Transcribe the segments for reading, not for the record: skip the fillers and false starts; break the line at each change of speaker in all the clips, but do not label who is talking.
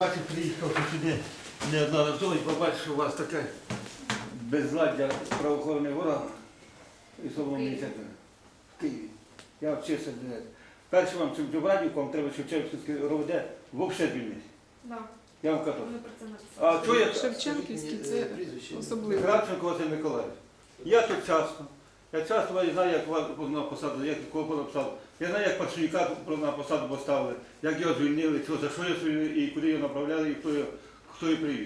Бачив, приїхав сюди неодноразово і побачив, що у вас таке безладдя правоохоронних органів і Соломії в Києві. Я вчився. Перше вам Чубрадівку, вам треба Шевченківський РОВД взагалі звільнити.
Так.
Я вам кажу.
Вони про це написали.
А що я?
Шевченківський це особливо.
Кравченко Василь Миколаївич. Я тут часто. Я часто знаю, як вас на посаду, як кого написав. Я знаю, як Паршуніка на посаду поставили, як його звільнили, за що його звільнили, і куди його направляли, і хто його привів.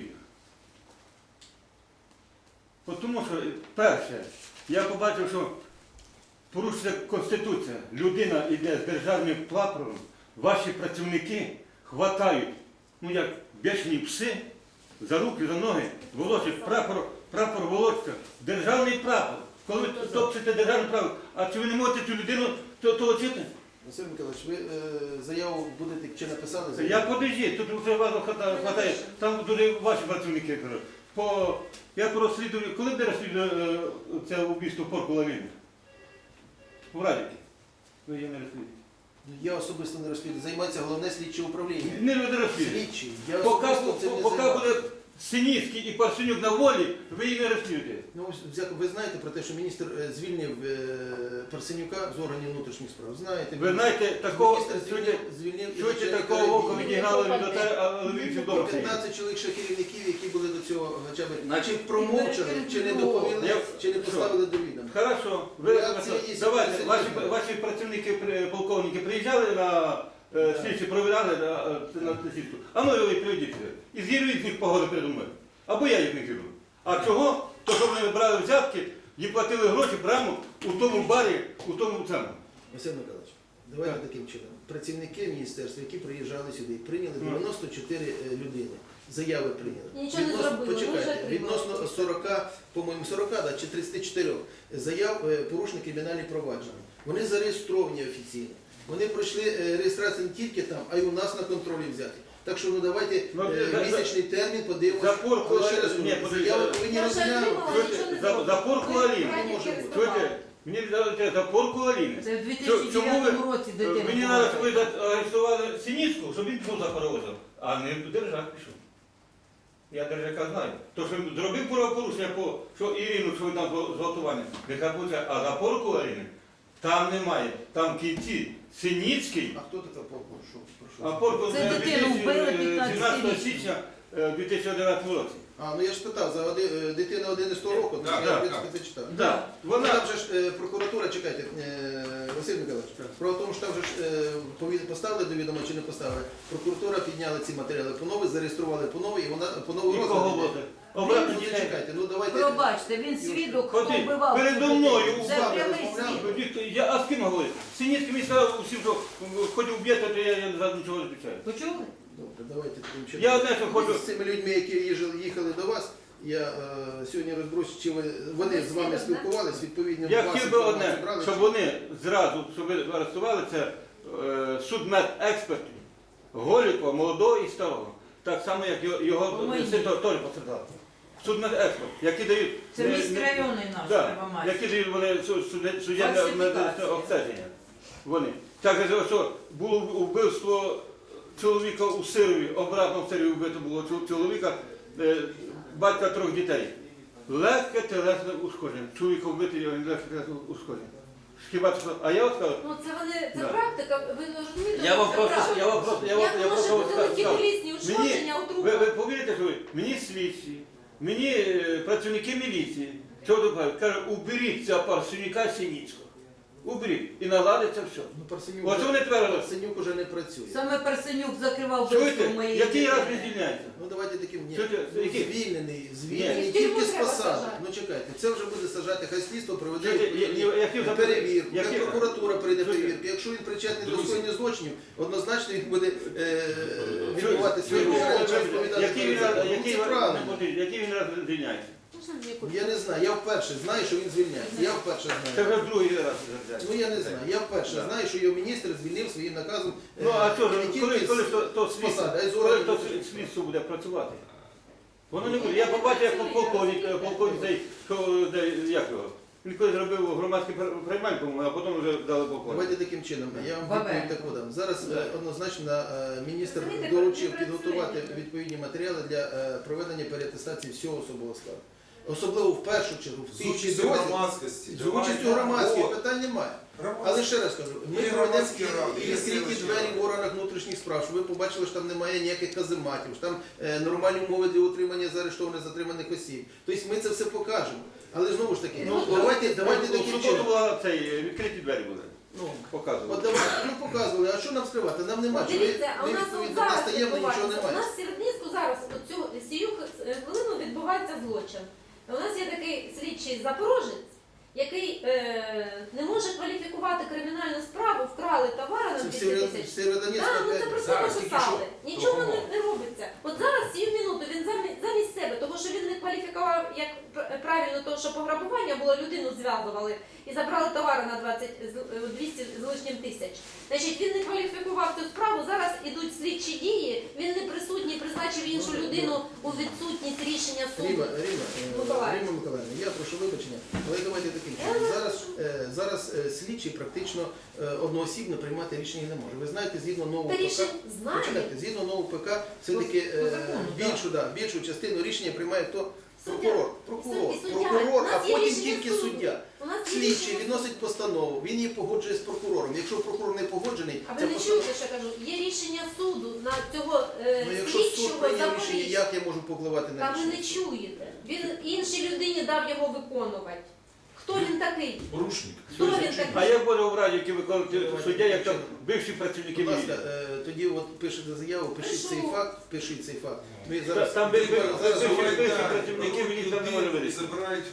Тому що, перше, я побачив, що порушується Конституція. Людина йде з державним прапором, ваші працівники хватають, як бешені пси, за руки, за ноги, волочать прапор волочка, державний прапор. Коли ви топчете державний прапор, а чи ви не можете цю людину толочити?
Василь Миколаївич, ви заяву будете чи написали?
Я подожди, тут вже вас хватає, там дуже ваші працівники кажуть. Я розслідую, коли буде розслідувати це вбивство Порку Лавіни? В Радіки. Ви її не розслідуєте.
Я особисто не розслідую. Займається головне слідче управління.
Не розслідуєте.
Слідчий. Я особисто цим не
Поки
займаюся.
буде Синіцький і Парсенюк на волі, ви її не розслідуєте.
Ну, ви знаєте про те, що міністр звільнив Парсенюка з органів внутрішніх справ? Знаєте?
Ви знаєте, такого,
Міністр звільнив і
чуєте,
начальника
такого вовка
відділу.
відігнали від а Львівці вдома.
15 чоловік ще керівників, які були до цього хоча б
Значить,
чи промовчали, чи не доповіли, чи не поставили до відома.
Хорошо.
Реакція є,
Давайте,
Василь
ваші працівники, полковники приїжджали на слідчі, провіряли на слідчу. А ну ви приведіть сюди. І зірвіть їх погоду передо мною. Або я їх не зірву. А чого? То, що вони брали взятки і платили гроші прямо у тому барі, у тому цьому.
Василь Миколаївич, давайте таким чином. Працівники міністерства, які приїжджали сюди, прийняли 94 людини. Заяви прийняли.
Нічого не зробили,
Почекайте,
вже
відносно 40, по-моєму 40, чи 34 заяв порушені кримінальні провадження. Вони зареєстровані офіційно. Вони пройшли реєстрацію не тільки там, а й у нас на контролі взяти. Так що давайте місячний термін подивимося. Заяви повинні розглянути.
За Порку Аліни. Мені дали за Порку Аліни.
Це в 2009 році дитина.
Мені треба, щоб ви арестували Синіцьку, щоб він пішов за паровозом, а не Держак пішов. Я Держака знаю. То, що він зробив правопорушення, що Ірину, що ви там зґвалтування, нехай получає, а за Порку Аліни там немає. Там в кінці Синіцький.
А хто така Порку?
А Порку
Це дитину вбили 15
17 січня 2011 році.
Ну я ж питав, за дитина 11 року, то я в принципі це читав.
Да. Вона...
Там же ж прокуратура, чекайте, Василь Миколаївич, справа в тому, що там же ж поставили до відома чи не поставили, прокуратура підняла ці матеріали по-нові, зареєстрували по-нові, і вона по-нові
Обратно
Ні, чекайте, ну давайте...
Пробачте, він свідок, хто вбивав.
Передо мною
Це
вбивали,
прямий
розмовляли.
свідок.
А з ким говорить? Синіцький мені сказав усім, що хоч вб'єте, то я за нічого не відповідаю.
Почули?
Добре, давайте таким чином.
Я одне, що хочу...
З цими людьми, які їхали до вас, я сьогодні розберусь, чи вони з вами спілкувалися, відповідно,
Я
вас
хотів би одне,
інформацію брали,
щоб
чи-
вони зразу, щоб ви арестували, це судмедекспертів, Голікова, молодого і старого. Так само, як його
Мої.
син теж постраждав. Судмедексперт, які дають...
Це міський районний наш Первомайський.
які дають вони суддєвне
Фальсифікація.
обстеження. Вони. Так, що було вбивство чоловіка у Сирові, обратно в Сирові вбито було чоловіка, батька 3 дітей. Легке телесне ушкодження. Чоловіка вбити, легке телесне ушкодження. Хіба це? А я от кажу,
Ну це вони, це
Да.
практика, ви розумієте?
я вам
це
просто,
практика.
я
Як може
просто
бути такі
сказав.
різні ушкодження у
Ви
трупах?
повірите, що мені слідчі, мені працівники міліції, що добавили, кажуть, уберіть цього Парсенюка Синіцького. Уберіть. І наладиться все.
Ну, Парсенюк,
Оце вони твердо.
Парсенюк уже не працює.
Саме Парсенюк закривав вбивство
Чуєте,
моєї
який раз
дитини.
він звільняється?
Ну давайте таким ні.
Чуєте,
Ну,
який?
звільнений
Ні.
тільки з
Треба
посади.
сажати.
Ну чекайте, це вже буде сажати, хай слідство проведе
Чуєте,
відповідні
я хотів запитати,
перевірку,
я
хай
хотів-
прокуратура прийде
Чуєте?
перевірку. Якщо він причетний до
Друзі.
скоєння злочинів, однозначно він буде відбувати свої
Чуєте,
розповідати. розповідати
який він
перед
раз-
законом. Ну, це правильно.
який він раз звільняється?
Я не знаю, я вперше знаю, що він звільняється. Я вперше
Це
знаю.
вже другий раз звільняється.
Ну я не знаю, я вперше
Да.
знаю, що його міністр звільнив своїм наказом.
Ну а що ж,
не
коли
тільки з-
то
з посади, а й з
коли
органів
то
внутрішніх
слідство буде працювати? Воно не буде. Я побачив, як полковник цей, що, як його, Він колись зробив громадський приймальник, по-моєму, а потім вже дали покой.
Давайте таким чином. Я вам
Бабе.
відповідь таку дам. Зараз однозначно міністр
Розумієте,
доручив
не
підготувати
працює.
відповідні матеріали для проведення переатестації всього особового складу. Особливо в першу чергу в
З
тій
участю
дорозі,
громадськості.
з участю громадських питань немає. Але ще раз кажу, ми
Є
проведемо
громадські ради, є
відкриті
селищні
двері
ради.
в органах внутрішніх справ, щоб ви побачили, що там немає ніяких казематів, що там нормальні умови для утримання заарештованих затриманих осіб. Тобто ми це все покажемо. Але знову ж таки, давайте
У
таким
суботу
чином.
була відкриті двері були.
Ну,
Показували.
От давайте, ну показували, а що нам скривати? Нам нема чого.
Дивіться, а у нас
відповідно,
зараз
нас таємно нічого
відбувається. У
немає.
нас в Сєвєродонецьку зараз сію хвилину відбувається злочин. У нас є такий слідчий запорожець, який не може кваліфікувати кримінальну справу, вкрали товари на
Це
200
в
тисяч.
Сєвєродонецьку
Так, ми це
опять.
про це
Зараз тільки
написали.
що
Нічого
допомога.
не робиться. От зараз цю минуту він замість себе, тому що він не кваліфікував як правильно то, що пограбування було, людину зв'язували і забрали товари на 200 з лишнім тисяч. Значить, він не кваліфікував цю справу, зараз ідуть слідчі дії, він не присутній, призначив іншу людину у відсутність рішення суду.
Рима Миколаївна, я прошу вибачення, але давайте таким чином. Зараз слідчий практично одноосібно приймати рішення не може. Ви знаєте, згідно нового
Та
ПК,
рішень знає.
почекайте, згідно нового ПК, все-таки
По закону,
більшу частину рішення приймає хто?
Суддя.
Прокурор,
І суддя.
прокурор,
У
а
нас є
потім
рішення
тільки
суду.
суддя.
У нас є
Слідчий
рішення
відносить постанову, він її погоджує з прокурором. Якщо прокурор не погоджений,
А ви
ця
не
постанова...
чуєте, що я кажу? Є рішення суду на цього
Ну, якщо суд
слідчого
прийняв рішення,
Запоріжжя.
як я можу попливати на
Та ви
рішення?
не чуєте. Він іншій людині дав його виконувати. Хто він такий?
Порушник.
Хто він
А
такий?
як буде в раді, які виконують суддя, як там бивші працівники
Будь ласка,
міліції?
тоді от пишете заяву, пишіть цей
Пишу.
факт, пишіть цей факт. Ми зараз,
Там
зараз,
бивші працівники міліції там не може вирішити.
Забирають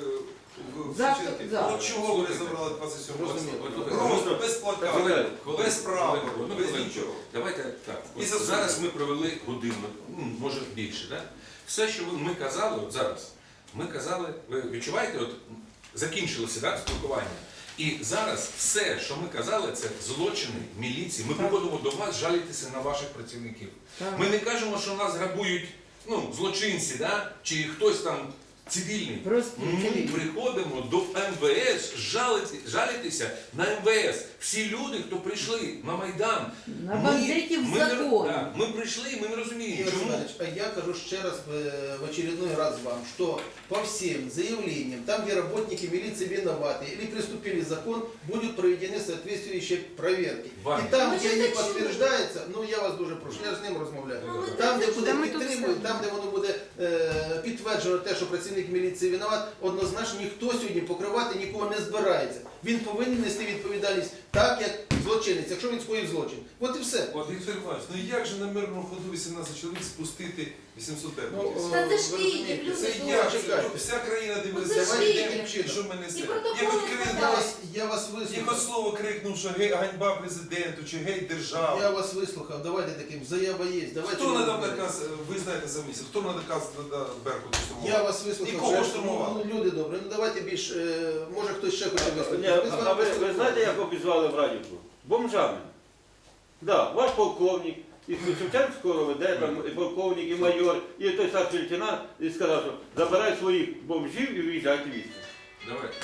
в
Завтра-
Січенки.
завтра.
От чого вони забрали 27
Розуміло.
Просто без платка,
Хвилинку.
без прапору,
Одну
без
хвилинку.
нічого.
Давайте так.
І
От
за
зараз
суд.
ми провели годину, може більше, да? Все, що ми казали, от зараз, ми казали, ви відчуваєте, от закінчилося да, спілкування. І зараз все, що ми казали, це злочини міліції. Ми приходимо до вас жалітися на ваших працівників. Ми не кажемо, що нас грабують злочинці, да? Чи хтось там цивільний.
Просто
Ми приходимо до МВС жалітися на МВС. Всі люди, хто прийшли на Майдан,
на бандитів
ми,
закон.
да, ми прийшли і ми не розуміємо,
Игорь
чому.
Иванович, а я кажу ще раз в очередной раз вам, что по всем заявлениям, там, где работники милиции виноваты или приступили закон, будут проведены соответствующие проверки.
Ваня.
И там,
Ми
где
ж
не
це чули.
подтверждается, ну я вас дуже прошу, я з ним розмовляю.
Ну, ми
Там,
це
де буде
Та ми тут
підтримують,
все.
там, де воно буде підтверджено те, що працівник міліції винуват, однозначно ніхто сьогодні покривати нікого не збирається. Він повинен нести відповідальність так, як злочинець, якщо він скоїв злочин. От і все.
От Віктор Іванович, ну як же на мирному ходу 18 чоловік спустити 800 беркутів?
Та це ж
ви
Київ,
розумієте,
люди
Це
добрі.
як?
чекайте.
Вся країна
Ну,
дивилася,
це ж
давайте
Київ.
таким чином, що ми
І
несемо.
протоколи
Як от
складають.
Я вас
Як
вислухав.
от слово крикнув, що гей, ганьба президенту, чи гей держава.
Я вас вислухав, давайте таким, заява є. Давайте
Хто
ми
надав
розберемося.
наказ, ви знаєте за місяць, хто надав наказ Беркуту штурмувати?
Я вас вислухав.
І кого
Вже,
штурмували?
ну, люди добре, ну давайте більш, може хтось ще хоче
Ні,
вислухати.
а ви знаєте, як обізвали в Радівку? Бомжами. Да, ваш полковник, і Шевченського веде, там і полковник, і майор, і той старший лейтенант, і сказав, що забирай своїх бомжів і виїжджайте звідси.
Давайте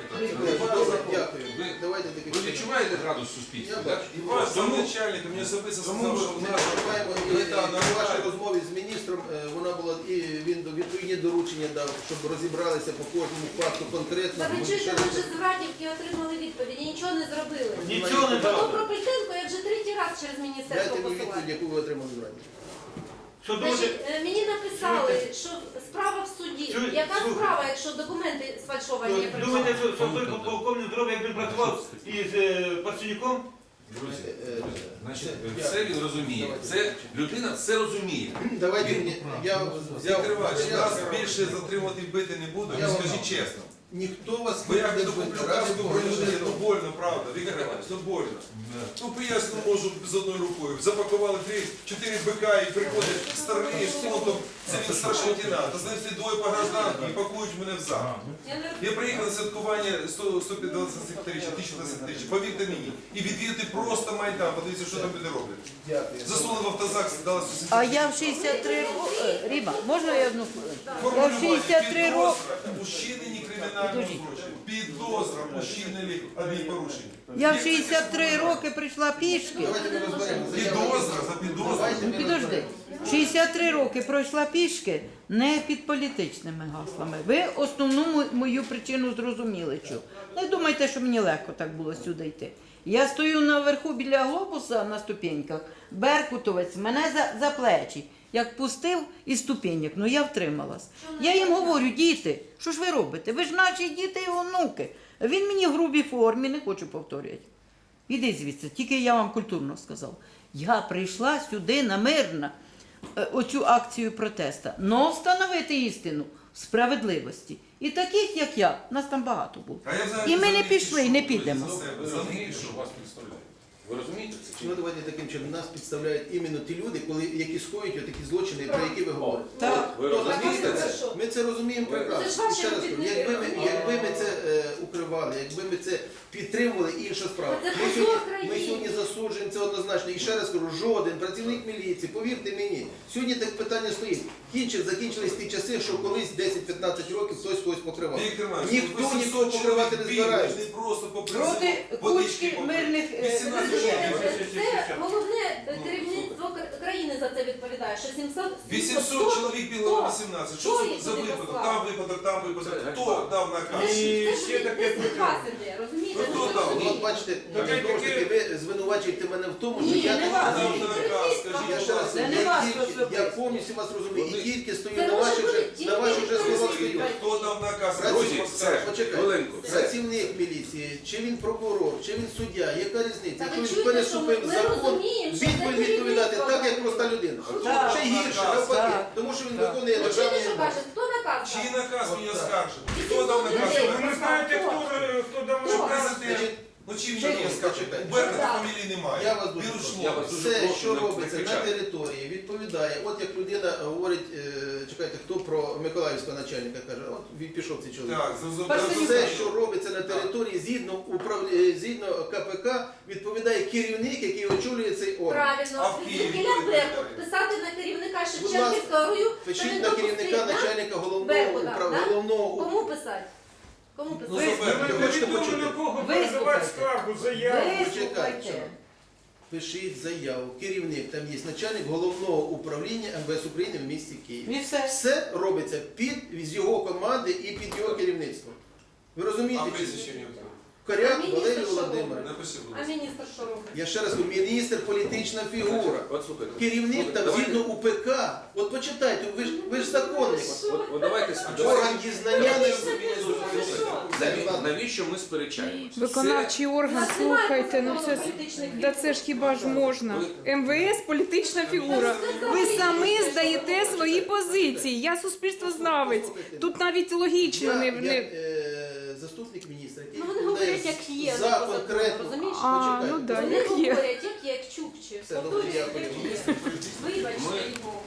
Дякую.
Ви-
Давайте таким
Ви
чином.
відчуваєте градус суспільства?
Я
да?
бачу.
І ваш
Тому-
замначальник мені особисто
Тому
сказав, що в
ми
нас
вступаємо і
плита
в вашій
нормальна.
розмові з міністром, вона була, і він відповідні доручення дав, щоб розібралися по кожному факту конкретно.
Та ви
Ми
чуєте,
ще
ми
раз-
вже з Радівки отримали відповіді, нічого не зробили.
Нічого не
Про
дали.
Пропельтенко я вже третій раз через міністерство
Дайте мені відповідь,
посилаю.
яку ви отримали з раді.
Що думаєте,
Значить, мені написали, що справа в суді.
Чуєте?
Яка
Слухайте.
справа, якщо документи сфальшовані? я прийшла?
думаєте, що той полковник здоров'я, як він працював із Парсенюком?
Друзі,
Е,
значить,
це-
все він розуміє.
Давайте.
Це людина все розуміє.
Давайте мені, я взяв
Віктор Іванович,
матеріал.
нас більше затримувати і бити не буду,
Я вам
скажіть
дам.
чесно.
Ніхто вас
Бо як
не
я
буде
куплю
ради
каску
Бога,
бронежилет,
не
то больно, правда, Віктор Іванович, то больно. Ну поясню можу з одною рукою. Запакували 3-4 бика і приходять старий з фронтом, це він старший лейтенант. Та з ним всі двоє по гражданку і пакують мене в зал.
Я не
Я приїхав на святкування 120-річчя, 1020-річчя, повірте мені, і відвідати просто Майдан, подивіться, що там люди роблять.
Дякую.
Засунули в автозак, дали 170.
А я в 63 роки. Ріма, можна я одну хвилину? Я в
Формулювання,
63 роки.
підозра у вчиненні кримінального
Підождіть.
злочину. Підозра у вчиненні адмінпорушення.
Я в 63 роки прийшла пішки.
Давайте ми розберемо.
Підозра за підозру.
Давайте ми
Підожди.
розберемо.
63 роки пройшла пішки не під політичними гаслами. Ви основну мою причину зрозуміли. Що. Не думайте, що мені легко так було сюди йти. Я стою наверху біля глобуса на ступеньках, беркутовець мене за плечі, як пустив із ступеньок, ну я втрималась. Я їм говорю, діти, що ж ви робите? Ви ж наші діти і онуки. Він мені в грубій формі, не хочу повторювати. Іди звідси, тільки я вам культурно сказав. Я прийшла сюди намирно, оцю акцію протесту, но встановити істину в справедливості. І таких, як я, нас там багато було.
А я взагалі
І ми
за
не
них
пішли, і не
пішов.
підемо.
За себе,
Ви
за них
розумієте, що
пішов.
вас підставляють? Ви розумієте це чи
Ну
ні?
давайте таким чином. Нас підставляють іменно ті люди, які скоюють такі злочини, про які ви говорите.
Так.
Ви
Хто
розумієте
нас
це?
що?
Ми це розуміємо
Ви-
Це ж
прекрасно.
ваші
Ще раз кажу,
робітники,
якби ми це укривали, якби ми це підтримували, інша справа.
Та це
Ми
позор
сьогодні,
країни.
ми сьогодні засуджуємо це однозначно. І ще раз кажу, жоден працівник міліції, повірте мені, сьогодні так питання стоїть. Закінчились ті часи, що колись 10-15 років хтось когось покривав.
Віктор Іванович,
Ніхто
800
нікого покривати не
чоловік
збирається.
бігли, не просто по
Проти
призову,
кучки
попри-
мирних
18
Розумієте,
чоловік.
це головне керівництво країни за це відповідає, що
800 чоловік біло на
Хто?
18.
Хто
Що
їх
це за
туди
випадок?
послав?
Там випадок, там випадок.
Це
Хто
ганьба.
дав
Це
наказ?
ж
І
це
ще
ж
таке
десь від вас іде, розумієте?
Ну,
Ну,
хто дав?
От бачите,
Таке-
знову ж таки, ви звинувачуєте мене в тому, що
Ні,
я
не вас.
Дав наказ, скажіть,
Я ще раз,
Це не
я
вас
тільки-
особисто.
я повністю вас розумію і
Вони-
тільки стою
Це
на
може
ваших
бути
же
тільки
на ваших же словах
працівник.
стою.
Хто дав наказ?
Друзі,
Хто
все,
скаже?
Почекайте.
хвилинку. Все.
Працівник міліції, чи він прокурор, чи він суддя, яка різниця?
Та ви
Якщо він
чуєте,
переступив
що ми
закон,
розуміємо, що
він
це
буде відповідати
керівництво
так, як
робить.
проста людина.
Так.
Ще гірше,
Так.
навпаки,
Так.
тому що він
Так.
виконує
Ну, чуєте,
державні
що
норми.
каже? Хто наказ дав?
Чий наказ мені
От так.
оскаржив?
І
Хто дав
700
наказ?
людей.
Ви не знаєте, хто дав
Хто?
наказ?
Президент. Ну чим
Чекайте,
мені оскаржив?
чекайте.
У Беркута
Так.
фамілії немає.
Я вас дуже
Він
прошу.
Я вас
ушло.
дуже
Все,
прошу,
що
не
робиться на
кричати.
території, відповідає. От як людина говорить, чекайте, хто про Миколаївського начальника каже, от він пішов цей чоловік.
Так,
Все, що робиться на території, згідно КПК, відповідає керівник, який очолює цей орган.
А
Правильно.
в Києві
Звідкіля
хто
Беркут
відповідає?
писати на керівника
Будь
Шевченківського рою, що
Пишіть
він
на
допустив,
керівника
да?
начальника головного
Беркута, да?
головного
Кому писати? Кому
Ну,
писати?
за Беркута.
Ви хочете
Невідомо
почути?
на кого
Вислухайте.
передавати скаргу, заяву.
Вислухайте.
Пишіть заяву. Керівник там є начальник головного управління МВС України в місті Києві.
І все.
Все робиться з його команди і під його керівництвом. Ви розумієте?
А
чи
прізвище
ні?
не отримав.
Коряк
Міністр
Валерій
що
Володимирович.
Напиши, будь
А
ласка.
міністр що робить?
Я ще раз говорю, міністр політична фігура.
От слухайте.
Керівник там
Давайте-
згідно УПК. От почитайте, ви ж законник.
От давайте
Орган дізнання не
Навіщо ми сперечаємося?
Виконавчий орган,
Нас немає
слухайте, ну
закону
це
політичних
да це ж хіба ж можна? МВС політична фігура. Ви самі здаєте свої позиції. Я суспільствознавець. Тут навіть логічно не
заступник міністра, який
Ну вони
відповідає
говорять, як є,
за
не по закону,
конкретну.
розумієш?
А,
Почекайте.
ну да,
Вони
як є.
говорять, як чукчі.
Все, добре,
Повторюють,
дякую.
як є.